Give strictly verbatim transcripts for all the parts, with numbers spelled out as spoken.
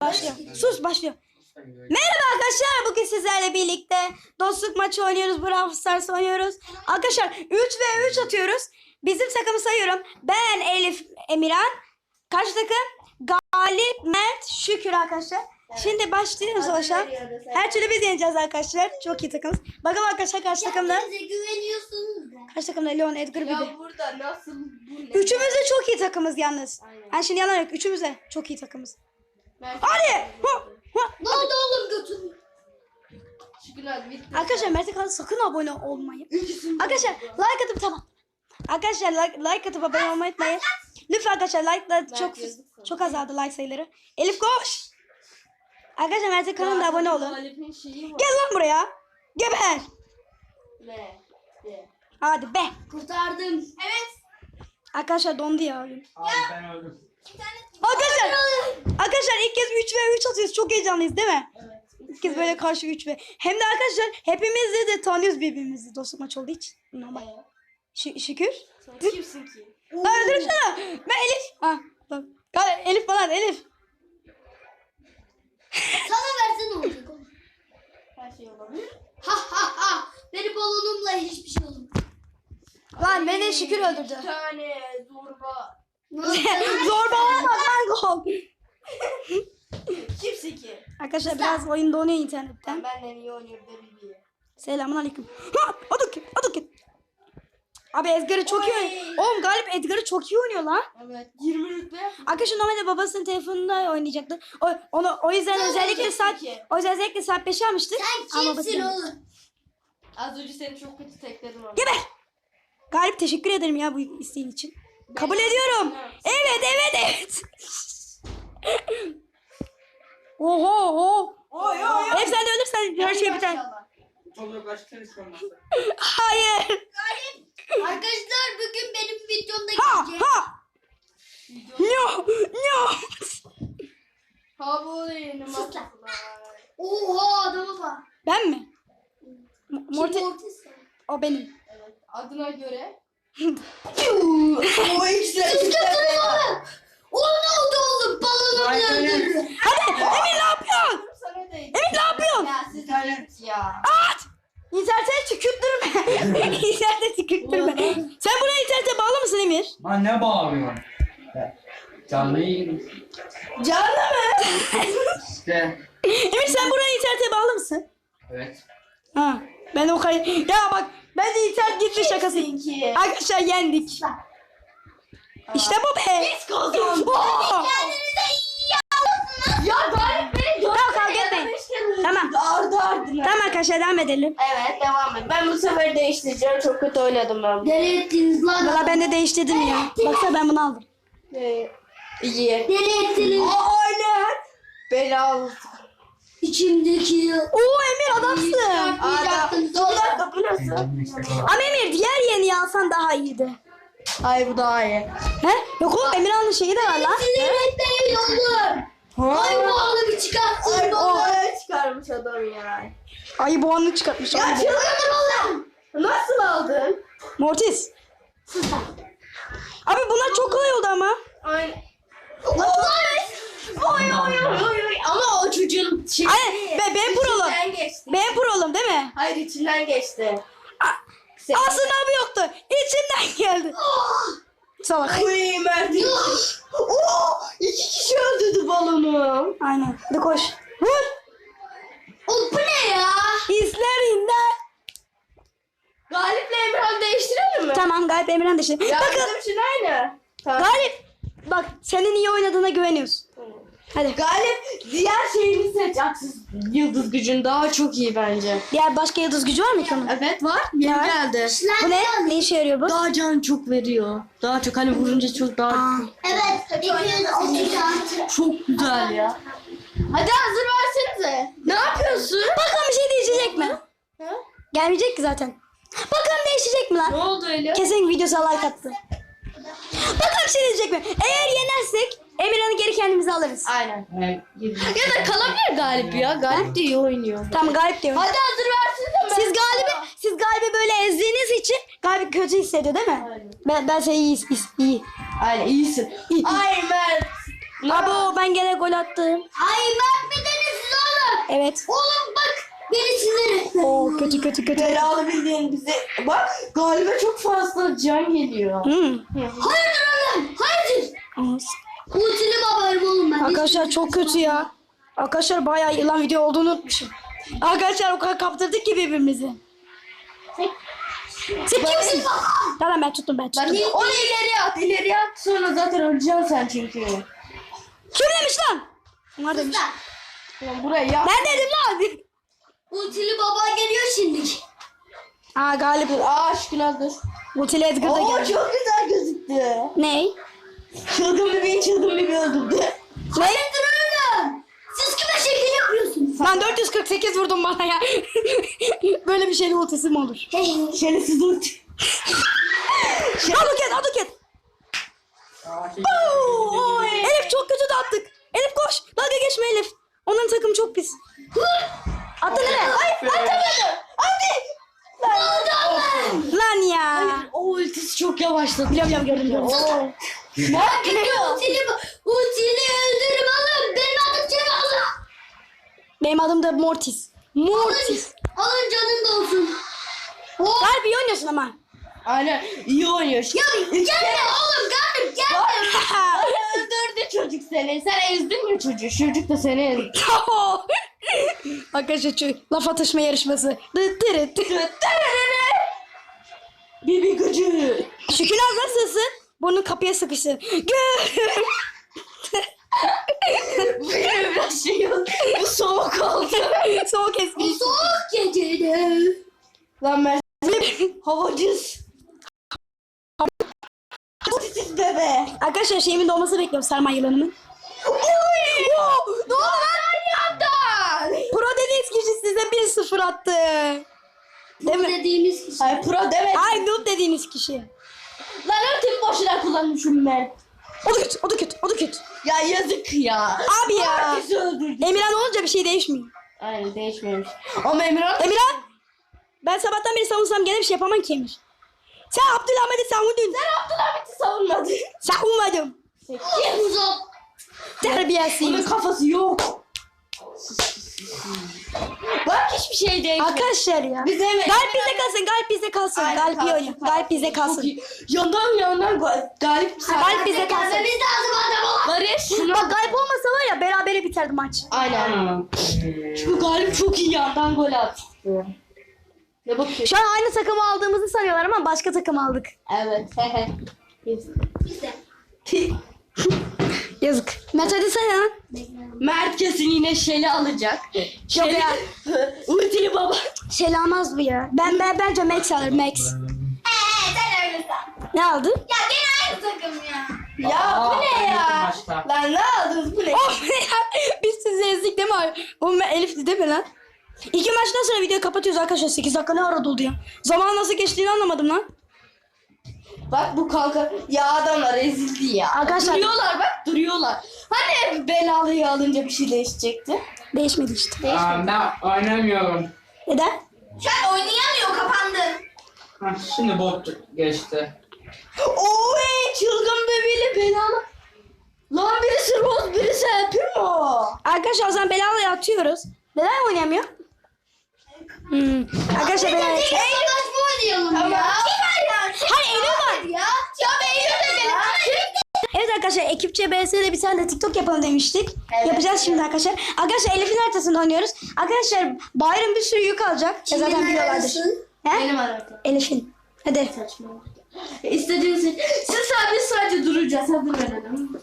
Başlıyor. Sus başlıyor. Merhaba arkadaşlar. Bugün sizlerle birlikte dostluk maçı oynuyoruz. Brawl Stars oynuyoruz. Arkadaşlar üç ve üç atıyoruz. Bizim takımı sayıyorum. Ben Elif, Emirhan. Karşı takım Galip, Mert, Şükür arkadaşlar. Evet. Şimdi başlıyoruz savaşa. Her türlü biz yeneceğiz arkadaşlar. Çok iyi takımız. Bakalım arkadaşlar karşı takımda. Güveniyorsunuz da. Karşı takımda Leon, Edgar, Bibi. Ya burada nasıl bu ne? Üçümüz de çok iyi takımız yalnız. Aynen. Yani şimdi yalan yok. Üçümüz de çok iyi takımız. Ben Hadi. Ne oldu oğlum götür. Şükür abi bitti. Arkadaşlar Mert'e kanalına sakın abone olmayın. Arkadaşlar like atıp tamam. Arkadaşlar like, like atıp abone olmayı unutmayın. Lütfen arkadaşlar like'lar çok çok azaldı like sayıları. Elif koş. Arkadaşlar Mert'e kanalına abone olun. Gel lan buraya. Geber. Ne? Ne? Hadi be. Kurtardım. Evet. Arkadaşlar dondu ya oyun. Abi ben öldüm. Arkadaşlar. Arkadaşlar ilk kez üç ve üç atıyoruz. Çok heyecanlıyız değil mi? Evet. İlk kez böyle karşı üç ve. Hem de arkadaşlar hepimiz de, de tanıyoruz birbirimizi. Dostluk maç olduğu için. Normal. Ş- şükür. Sen kimsin ki? Lan öldürürsene. Ben Elif. Ha, bak. Ya Elif falan Elif. Sana versen olacak oğlum. Her şey olabilir. Ha ha ha. Benim balonumla hiçbir şey olmaz. Lan beni Şükür öldürdü. Bir tane zorba. Zorbalama lan gol. Kimsin ki? Arkadaşlar biraz oyun donuyor internetten. Ben benden iyi oynuyorum da Bibi. Selamun aleyküm. Ha, adı kim? Adı kim? Abi Edgar'ı çok iyi oynuyor. Oğlum Galip Edgar'ı çok iyi oynuyor lan. Evet. yirmi rütbe. Arkadaşlar normalde babasının telefonunda oynayacaktı. O, onu, o yüzden Sen özellikle oynayacaksın saat ki. o yüzden özellikle saat beşe almıştık. Sen Ama kimsin babası- oğlum? Az önce seni çok kötü tekledim ama. Geber. Galip teşekkür ederim ya bu isteğin için. Kabul ediyorum. Evet evet evet. Oho oho. Oy oy oy. Hep sen de ölürsen her şey biter. Çok yaklaştın hiç olmazsa. Hayır. Arkadaşlar bugün benim videomda Ha gelecek. ha. No no. Ha bu yeni Oha adama bak. Ben mi? M- Kim Morty Mortis? o benim. Evet. Adına göre. O ikisi de Kız götürüyor. O ne oldu oğlum? Balonumu Vay be. öldürdü. Hadi Emir ne yapıyorsun? Sana değdi. Emir ne yapıyorsun? Ya siz git ya. At. İnternete tükürttürme. İnternete tükürttürme. Sen buraya internete bağlı mısın Emir? Lan ne bağırıyorsun? Ya, Canlı yayın. Canlı mı? İşte. Emir sen buraya internete bağlı mısın? Evet. Ha. Ben o kay... Ya bak ben de internet gitti şakası. ki? Arkadaşlar yendik. İşte bu be. Biz kazandık. Oo! Kendinize iyi yapın. Ya Galip beni dört Tamam, kavga kere ya da etmeyin. beş kere vurdu. Tamam. Ardı ardına. Tamam arkadaşlar devam edelim. Evet devam et. Ben bu sefer değiştireceğim. Çok kötü oynadım ben. Deli ettiniz lan. Valla ben de değiştirdim ya. Baksana ben bunu aldım. Ee, iyi. Deli ettiniz. Aynen. Bela İçimdeki. Oo Emir adamsın. Adam. Dolar bu nasıl? Ama Emir diğer yeni alsan daha iyiydi. Ay bu daha iyi. He? Yok oğlum Emirhan'ın şeyi de var lan. Sinirlik değil oğlum. Ay bu oğlum bir çıkartsın. Ay o çıkarmış adam ya. Ayı boğanını çıkartmış. Ya Ayı boğanı. çıldırdım oğlum. Nasıl aldın? Mortis. Abi bunlar çok kolay oldu ama. Aynen. Oy oy oy oy oy. Ama o çocuğun şey. Ay, ben, ben prolum. İçinden geçti. Ben prolum değil mi? Hayır içinden geçti. Sen- Aslında abi yoktu. İçinden geldi. Salak. Uy Mert. Oo, iki kişi öldürdü balonu. Aynen. Hadi koş. Vur. O bu ne ya? İzlerinden. Galip'le Emirhan değiştirelim mi? Tamam Galip Emirhan da işte. Ya Bakın bizim için aynı. Tamam. Galip. Bak senin iyi oynadığına güveniyoruz. Hadi. Galip diğer şeyini seç. Aksız yıldız gücün daha çok iyi bence. Diğer başka yıldız gücü var mı ki onun? Evet var. Yeni var? geldi. Bu ne? Ne işe yarıyor bu? Daha can çok veriyor. Daha çok hani vurunca çok daha Aa. Evet. Çok güzel ya. Hadi hazır versenize. Ne yapıyorsun? Bakalım bir şey değişecek mi? Ha? Gelmeyecek ki zaten. Bakalım değişecek mi Ne lan? oldu öyle? Kesin videosu like attı. Bakalım bir şey değişecek mi? Eğer yenersek Emirhan'ı geri kendimize alırız. Aynen. Evet. Ya da kalabilir Galip ya. Galip de iyi oynuyor. Tamam Galip diyor. Hadi hazır versenize. Siz Galip'i siz Galip'i böyle ezdiğiniz için Galip kötü hissediyor değil mi? Aynen. Ben ben seni iyi iyi. iyi. Aynen iyisin. İyi. Ay Mert. Abo ben gene gol attım. Ay bak bir denizsiz oğlum. Evet. Oğlum bak beni sinir. Oo kötü kötü kötü. Belalı bildiğin bize. Bak galiba çok fazla can geliyor. Hmm. Hayırdır oğlum? Hayırdır? Ultili babayım oğlum ben. Arkadaşlar çok kötü ya. Arkadaşlar bayağı yılan video olduğunu unutmuşum. Arkadaşlar o kadar kaptırdık ki birbirimizi. Sen kimsin? Tamam ben tuttum ben tuttum. Ben onu ileriye at, ileriye at. Sonra zaten öleceksin sen çünkü. Kim demiş lan? Onlar demiş. Ulan buraya yap. Ben dedim lan. Ultili baba geliyor şimdi. Aa galip. Aa aşkına dur. Ultili Edgar da Oo geldi. çok güzel gözüktü. Ney? Çılgın bebeği çılgın bebeği öldürdü. Ne? Hayırdır oğlum? Siz kime şekil yapıyorsunuz? Lan dört yüz kırk sekiz vurdum bana ya. Böyle bir şeyin ultisi mi olur? Şerefsiz ulti. Aduket aduket. Elif çok kötü de attık. Elif koş. Dalga geçme Elif. Onların takımı çok pis. Attı nereye? Ay atamadım. Hadi. Lan ya. O ultisi çok yavaşladı. Biliyorum biliyorum gördüm gördüm. Oo. Bak gidiyor ultili ultili öldürüm oğlum. Benim adım Cevalı. Benim adım da Mortis. Mortis. Alın canın da olsun. Oh. Galip iyi oynuyorsun ama. Aynen iyi oynuyor. Ya gelme oğlum gelme gelme. Öldürdü çocuk seni. Sen ezdin mi çocuğu? Çocuk da seni ezdi. Arkadaşlar şu laf atışma yarışması. Dıt dırıt dırıt. Bibi gücü. Şükürler nasılsın? Bunu kapıya sıkıştın. Benim biraz şey oldu. Bu soğuk oldu. Soğuk espri. Soğuk gecede. Lan ben havacız. Havacız bebe. Arkadaşlar şeyimin dolmasını bekliyorum sarma yılanımın. Oy! Ne oldu lan yandan? Pro dediğiniz kişi size bir sıfır attı. Değil mi? Dediğimiz kişi. Ay pro demek. Ay noob dediğiniz kişi. Lan ultimi boşuna kullanmışım ben. O da kötü, o da kötü, o da kötü. Ya yazık ya. Abi ya. Herkesi öldürdü. Emirhan olunca bir şey değişmiyor. Aynen değişmemiş. Ama Emirhan... Emirhan! Ben sabahtan beri savunsam gene bir şey yapamam ki Emir. Sen Abdülhamit'i savundun. Sen Abdülhamit'i savunmadın. Savunmadım. Kim uzak? Bunun Terbiyesiz. kafası yok. Bak hiçbir şey değişmedi. Arkadaşlar ya. Biz Emir- Galip bizde kalsın, Galip bizde kalsın. Aynen, Galip iyi kalsın, oynuyor. kalsın. Galip bizde Çok kalsın. iyi. Yandan yandan ga- Galip Galip bizde kalsın. Gelmemiz lazım adam olan. Barış şuna Bak Galip olmasa var ya berabere biterdi maç. Aynen. Çünkü Galip çok iyi yandan gol attı. Ne bakıyorsun? Şu an aynı takımı aldığımızı sanıyorlar ama başka takım aldık. Evet. Hehe. Biz de. Yazık. Mert hadi sen ya. Mert kesin yine Şeli alacak. Şeli ya. ultili baba. Şey almaz bu ya. Ben, ben bence Max alır Max. Eee sen öylesin. Ne aldı? Ya gene aynı takım ya. Ya bu ne ya? Maçta. Lan ne aldınız bu ne? Of ya. Biz sizi ezdik değil mi abi? Oğlum ben Elif'ti değil mi lan? İki maçtan sonra videoyu kapatıyoruz arkadaşlar. sekiz dakika ne ara doldu ya? Zaman nasıl geçtiğini anlamadım lan. Bak bu kanka. Ya adamlar ezildi ya. Arkadaşlar- Duruyorlar bak duruyorlar. Hani belalıyı alınca bir şey değişecekti. Değişmedi işte. Aa, ben oynamıyorum. Neden? Şu an oynayamıyor kapandı. Ha, şimdi bot geçti. Oy çılgın bebeğiyle belalı. Lan birisi Rose birisi Primo. Arkadaşlar o zaman Belala'ya atıyoruz. Neden oynayamıyor? Hmm. Arkadaşlar Belala... Eylül maç mı oynayalım Tamam. ya? Kim oynar? Hayır Eylül var. Ya. Ya Eylül de benim. Evet arkadaşlar ekipçe B S'de bir tane de TikTok yapalım demiştik. Evet. Yapacağız şimdi arkadaşlar. Arkadaşlar Elif'in haritasında oynuyoruz. Arkadaşlar Bayram bir sürü yük alacak. Ya zaten biliyorlardır. He? Benim aradım. Elif'in. Hadi. İstediğiniz siz sadece sadece duracağız. Hadi verelim.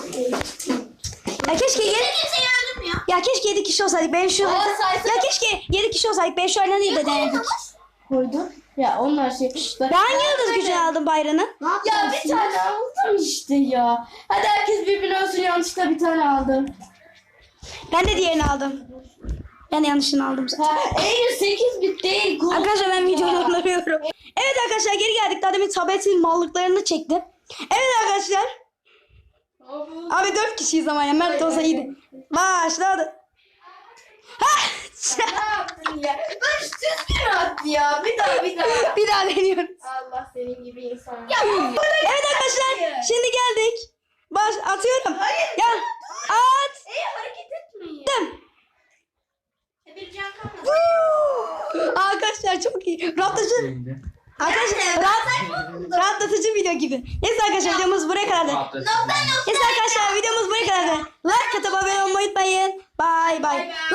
Ya keşke yedi... Kimseyi öldürmüyor. Ya keşke yedi kişi olsaydık. Ben şu... Aa, saysana. Ya keşke yedi kişi olsaydık. Ben şu oyunu değil de denedik. Koydum. Ya onlar şey. Ben hangi yıldız gücünü aldım Bayram'ı? Ne Ya yapacağız? bir tane aldım işte ya. Hadi herkes birbirine ölsün yanlışlıkla bir tane aldım. Ben de diğerini aldım. Ben de yanlışını aldım zaten. Ha, Eylül sekiz bit değil. Gol. Arkadaşlar ben videoyu anlamıyorum. Evet arkadaşlar geri geldik. Daha demin tabletin mallıklarını çekti. Evet arkadaşlar. Abi dört kişiyiz ama ya. Mert olsa iyiydi. Başladı. Ha! Ne yaptın ya? Barış düzgün at ya. Bir daha bir daha. Bir daha deniyoruz. Allah senin gibi insan. Evet arkadaşlar şimdi geldik. Baş atıyorum. Hayır. Ya at. Ey hareket etmeyin. Dım. E, bir can kalmadı. Woo! Arkadaşlar çok iyi. Rahatlatıcı. Şimdi. Arkadaşlar rahat, rahatlatıcı video gibi. Neyse arkadaşlar videomuz buraya kadardı. Rahatlatıcı. Neyse arkadaşlar videomuz buraya kadardı. Like atıp abone olmayı unutmayın. Bye bye.